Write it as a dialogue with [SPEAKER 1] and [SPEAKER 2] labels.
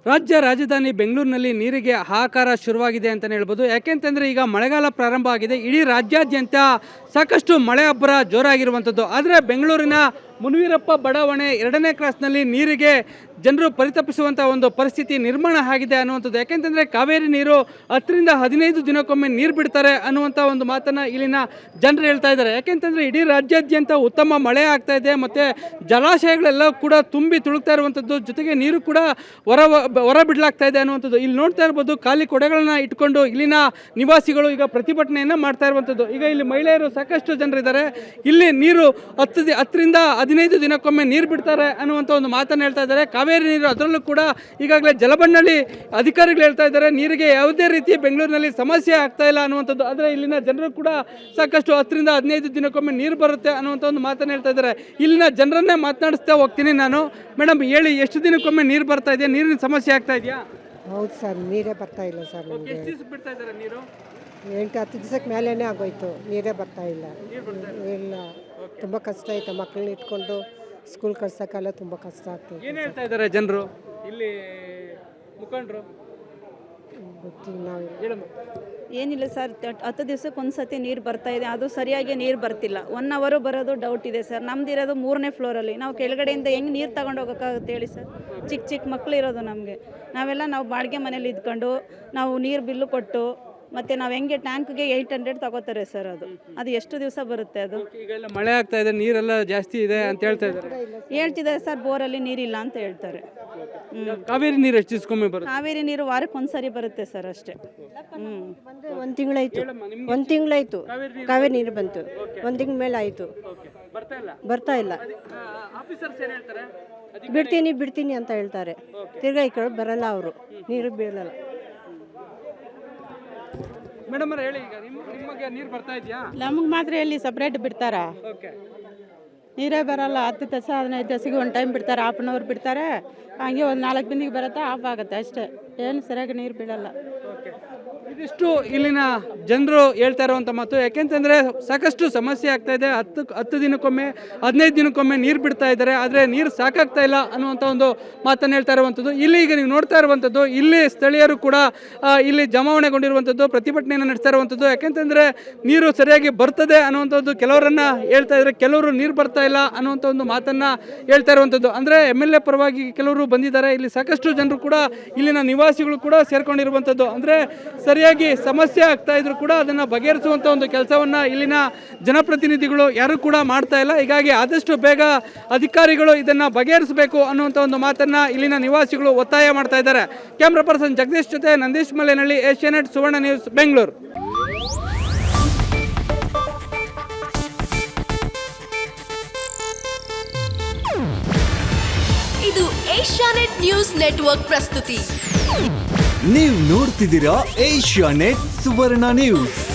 [SPEAKER 1] ರಾಜ್ಯ ರಾಜಧಾನಿ ಬೆಂಗಳೂರಿನಲ್ಲಿ ನೀರಿಗೆ ಹಾಹಾಕಾರ ಶುರುವಾಗಿದೆ ಅಂತಲೇ ಹೇಳ್ಬೋದು. ಯಾಕೆಂತಂದರೆ ಈಗ ಮಳೆಗಾಲ ಪ್ರಾರಂಭ ಆಗಿದೆ. ಇಡೀ ರಾಜ್ಯಾದ್ಯಂತ ಸಾಕಷ್ಟು ಮಳೆ ಅಬ್ಬರ ಜೋರಾಗಿರುವಂಥದ್ದು. ಆದರೆ ಬೆಂಗಳೂರಿನ ಮುನಿವೀರಪ್ಪ ಬಡಾವಣೆ 2ನೇ ಕ್ರಾಸ್ನಲ್ಲಿ ನೀರಿಗೆ ಜನರು ಪರಿತಪಿಸುವಂಥ ಒಂದು ಪರಿಸ್ಥಿತಿ ನಿರ್ಮಾಣ ಆಗಿದೆ ಅನ್ನುವಂಥದ್ದು. ಯಾಕೆಂತಂದರೆ ಕಾವೇರಿ ನೀರು 10ರಿಂದ 15 ದಿನಕ್ಕೊಮ್ಮೆ ನೀರು ಬಿಡ್ತಾರೆ ಅನ್ನುವಂಥ ಒಂದು ಮಾತನ್ನು ಇಲ್ಲಿನ ಜನರು ಹೇಳ್ತಾ ಇದ್ದಾರೆ. ಯಾಕೆಂತಂದರೆ ಇಡೀ ರಾಜ್ಯಾದ್ಯಂತ ಉತ್ತಮ ಮಳೆ ಆಗ್ತಾ ಇದೆ ಮತ್ತು ಜಲಾಶಯಗಳೆಲ್ಲ ಕೂಡ ತುಂಬಿ ತುಳುಕ್ತಾ ಇರುವಂಥದ್ದು, ಜೊತೆಗೆ ನೀರು ಕೂಡ ಹೊರ ಬಿಡಲಾಗ್ತಾ ಇದೆ ಅನ್ನುವಂಥದ್ದು. ಇಲ್ಲಿ ನೋಡ್ತಾ ಇರ್ಬೋದು, ಖಾಲಿ ಕೊಡೆಗಳನ್ನ ಇಟ್ಕೊಂಡು ಇಲ್ಲಿನ ನಿವಾಸಿಗಳು ಈಗ ಪ್ರತಿಭಟನೆಯನ್ನು ಮಾಡ್ತಾ ಇರುವಂಥದ್ದು. ಈಗ ಇಲ್ಲಿ ಮಹಿಳೆಯರು ಸಾಕಷ್ಟು ಜನರಿದ್ದಾರೆ. ಇಲ್ಲಿ ನೀರು 10ರಿಂದ 15 ದಿನಕ್ಕೊಮ್ಮೆ ನೀರು ಬಿಡ್ತಾರೆ ಅನ್ನುವಂಥ ಒಂದು ಮಾತನ್ನು ಹೇಳ್ತಾ ಇದ್ದಾರೆ. ಕಾವೇರಿ ನೀರು, ಅದರಲ್ಲೂ ಕೂಡ ಈಗಾಗಲೇ ಜಲಬಂಡಳಿ ಅಧಿಕಾರಿಗಳು ಹೇಳ್ತಾ ಇದ್ದಾರೆ ನೀರಿಗೆ ಯಾವುದೇ ರೀತಿ ಬೆಂಗಳೂರಿನಲ್ಲಿ ಸಮಸ್ಯೆ ಆಗ್ತಾ ಇಲ್ಲ ಅನ್ನುವಂಥದ್ದು. ಆದರೆ ಇಲ್ಲಿನ ಜನರು ಕೂಡ ಸಾಕಷ್ಟು 10ರಿಂದ 15 ದಿನಕ್ಕೊಮ್ಮೆ ನೀರು ಬರುತ್ತೆ ಅನ್ನುವಂಥ ಒಂದು ಮಾತನ್ನು ಹೇಳ್ತಾ ಇದ್ದಾರೆ. ಇಲ್ಲಿನ ಜನರನ್ನೇ ಮಾತನಾಡಿಸ್ತಾ ಹೋಗ್ತೀನಿ ನಾನು. ಮೇಡಮ್ ಹೇಳಿ, ಎಷ್ಟು ದಿನಕ್ಕೊಮ್ಮೆ ನೀರು ಬರ್ತಾ ಇದೆಯಾ? ನೀರಿನ ಸಮಸ್ಯೆ ಆಗ್ತಾ ಇದೆಯಾ?
[SPEAKER 2] ಹೌದು ಸರ್, ನೀರೇ ಬರ್ತಾ ಇಲ್ಲ ಸರ್. ನಮಗೆ
[SPEAKER 1] ಎಷ್ಟು ದಿವಸ ಬಿಡ್ತಾ ಇದ್ದಾರೆ ನೀರು?
[SPEAKER 2] 8-10 ದಿವಸಕ್ಕೆ ಮೇಲೇ ಆಗೋಯ್ತು, ನೀರೇ ಬರ್ತಾ ಇಲ್ಲ. ಇಲ್ಲ, ತುಂಬ ಕಷ್ಟ ಆಯ್ತು. ಮಕ್ಕಳನ್ನ ಇಟ್ಕೊಂಡು ಸ್ಕೂಲ್ ಕಳ್ಸೋಕ್ಕೆಲ್ಲ ತುಂಬ ಕಷ್ಟ ಆಗ್ತದೆ.
[SPEAKER 1] ಏನು ಹೇಳ್ತಾ ಇದ್ದಾರೆ ಜನರು, ಇಲ್ಲಿ ಮುಖಂಡರು?
[SPEAKER 2] ಗೊತ್ತಿಲ್ಲ ನಾವು.
[SPEAKER 1] ಹೇಳಮ್ಮ.
[SPEAKER 3] ಏನಿಲ್ಲ ಸರ್, 10 ದಿವಸಕ್ಕೆ ಒಂದು ಸತಿ ನೀರು ಬರ್ತಾ ಇದೆ. ಅದು ಸರಿಯಾಗಿ ನೀರು ಬರ್ತಿಲ್ಲ. 1 ಅವರು ಬರೋದು ಡೌಟ್ ಇದೆ ಸರ್. ನಮ್ದಿರೋದು 3ನೇ ಫ್ಲೋರಲ್ಲಿ. ನಾವು ಕೆಳಗಡೆಯಿಂದ ಹೆಂಗೆ ನೀರು ತಗೊಂಡು ಹೋಗೋಕ್ಕಾಗುತ್ತೆ ಹೇಳಿ ಸರ್? ಚಿಕ್ಕ ಮಕ್ಕಳು ಇರೋದು ನಮಗೆ. ನಾವು ಬಾಡಿಗೆ ಮನೇಲಿ ಇದ್ಕೊಂಡು ನಾವು ನೀರು ಬಿಲ್ಲು ಕೊಟ್ಟು ಮತ್ತು ನಾವು ಹೆಂಗೆ ಟ್ಯಾಂಕ್ಗೆ 800 ತಗೋತಾರೆ ಸರ್. ಅದು ಎಷ್ಟು ದಿವಸ ಬರುತ್ತೆ? ಅದು
[SPEAKER 1] ಈಗ ಎಲ್ಲ ಮಳೆ ಆಗ್ತಾ ಇದೆ, ನೀರೆಲ್ಲ ಜಾಸ್ತಿ ಇದೆ ಅಂತ ಹೇಳ್ತಾ ಇದ್ದಾರೆ.
[SPEAKER 3] ಹೇಳ್ತಿದ್ದಾರೆ ಸರ್, ಬೋರಲ್ಲಿ ನೀರಿಲ್ಲ ಅಂತ ಹೇಳ್ತಾರೆ.
[SPEAKER 1] ಕಾವೇರಿ ನೀರು ಎಷ್ಟು ದಿವಸಕ್ಕೊಮ್ಮೆ ಬರುತ್ತೆ?
[SPEAKER 3] ಕಾವೇರಿ ನೀರು ವಾರಕ್ಕೆ ಒಂದ್ಸರಿ ಬರುತ್ತೆ ಸರ್ ಅಷ್ಟೇ.
[SPEAKER 2] ಒಂದು ತಿಂಗಳಾಯ್ತು ಕಾವೇರಿ ನೀರು ಬಂತು. 1 ತಿಂಗಳ ಮೇಲೆ ಆಯಿತು, ಬರ್ತಾ ಇಲ್ಲ. ಬಿಡ್ತೀನಿ ಅಂತ ಹೇಳ್ತಾರೆ. ತಿರ್ಗಾ ಈ ಕಡೆ ಬರಲ್ಲ, ಅವರು ನೀರು ಬೀಳಲ್ಲ.
[SPEAKER 1] ಮೇಡಮ್ ಹೇಳಿ, ಈಗ ನಿಮಗೆ ನೀರು ಬರ್ತಾ ಇದೆಯಾ?
[SPEAKER 4] ನಮಗೆ ಮಾತ್ರ ಎಲ್ಲಿ ಸಪ್ರೇಟ್ ಬಿಡ್ತಾರ? ನೀರೇ ಬರಲ್ಲ. 10 ದಿವಸ 15 ದಿವಸಕ್ಕೆ ಒಂದು ಟೈಮ್ ಬಿಡ್ತಾರೆ, ಹಾಫ್ ಆನ್ ಅವರ್ ಬಿಡ್ತಾರೆ. ಹಂಗೆ ಒಂದು 4 ಬಿಂದಿಗೆ ಬರುತ್ತೆ, ಆಫ್ ಆಗುತ್ತೆ ಅಷ್ಟೇ. ಏನು ಸರಿಯಾಗಿ ನೀರು ಬೀಳಲ್ಲ.
[SPEAKER 1] ಇದಿಷ್ಟು ಇಲ್ಲಿನ ಜನರು ಹೇಳ್ತಾ ಇರುವಂಥ ಮಾತು. ಯಾಕೆಂತಂದರೆ ಸಾಕಷ್ಟು ಸಮಸ್ಯೆ ಆಗ್ತಾ ಇದೆ. 10 ದಿನಕ್ಕೊಮ್ಮೆ 15 ದಿನಕ್ಕೊಮ್ಮೆ ನೀರು ಬಿಡ್ತಾ ಇದ್ದಾರೆ. ಆದರೆ ನೀರು ಸಾಕಾಗ್ತಾ ಇಲ್ಲ ಅನ್ನುವಂಥ ಒಂದು ಮಾತನ್ನು ಹೇಳ್ತಾ ಇರುವಂಥದ್ದು. ಇಲ್ಲಿ ಈಗ ನೀವು ನೋಡ್ತಾ ಇರುವಂಥದ್ದು, ಇಲ್ಲಿ ಸ್ಥಳೀಯರು ಕೂಡ ಇಲ್ಲಿ ಜಮಾವಣೆಗೊಂಡಿರುವಂಥದ್ದು, ಪ್ರತಿಭಟನೆಯನ್ನು ನಡೆಸ್ತಾ ಇರುವಂಥದ್ದು. ಯಾಕೆಂತಂದರೆ ನೀರು ಸರಿಯಾಗಿ ಬರ್ತದೆ ಅನ್ನುವಂಥದ್ದು ಕೆಲವರನ್ನು ಹೇಳ್ತಾ ಇದ್ದಾರೆ, ಕೆಲವರು ನೀರು ಬರ್ತಾ ಇಲ್ಲ ಅನ್ನುವಂಥ ಒಂದು ಮಾತನ್ನು ಹೇಳ್ತಾ ಇರುವಂಥದ್ದು. ಅಂದರೆ MLA ಪರವಾಗಿ ಕೆಲವರು ಬಂದಿದ್ದಾರೆ. ಇಲ್ಲಿ ಸಾಕಷ್ಟು ಜನರು ಕೂಡ, ಇಲ್ಲಿನ ನಿವಾಸಿಗಳು ಕೂಡ ಸೇರ್ಕೊಂಡಿರುವಂಥದ್ದು. ಅಂದರೆ ಸರಿಯಾಗಿ ಸಮಸ್ಯೆ ಆಗ್ತಾ ಇದ್ರು ಕೂಡ ಅದನ್ನು ಬಗೆಹರಿಸುವಂಥ ಒಂದು ಕೆಲಸವನ್ನು ಇಲ್ಲಿನ ಜನಪ್ರತಿನಿಧಿಗಳು ಯಾರು ಕೂಡ ಮಾಡ್ತಾ ಇಲ್ಲ. ಹೀಗಾಗಿ ಆದಷ್ಟು ಬೇಗ ಅಧಿಕಾರಿಗಳು ಇದನ್ನು ಬಗೆಹರಿಸಬೇಕು ಅನ್ನುವಂಥ ಒಂದು ಮಾತನ್ನು ಇಲ್ಲಿನ ನಿವಾಸಿಗಳು ಒತ್ತಾಯ ಮಾಡ್ತಾ ಇದ್ದಾರೆ. ಕ್ಯಾಮ್ರಾ ಪರ್ಸನ್ ಜಗದೀಶ್ ಜೊತೆ ನಂದೀಶ್ ಮಲ್ಲೇನಹಳ್ಳಿ, ಏಷ್ಯಾನೆಟ್ ಸುವರ್ಣ ನ್ಯೂಸ್, ಬೆಂಗಳೂರು.
[SPEAKER 5] ಇದು ಏಷ್ಯಾನೆಟ್ ನ್ಯೂಸ್ ನೆಟ್ವರ್ಕ್ ಪ್ರಸ್ತುತಿ.
[SPEAKER 6] ನೀವು ನೋಡ್ತಿದ್ದೀರಾ ಏಷ್ಯಾನೆಟ್ ಸುವರ್ಣ ನ್ಯೂಸ್.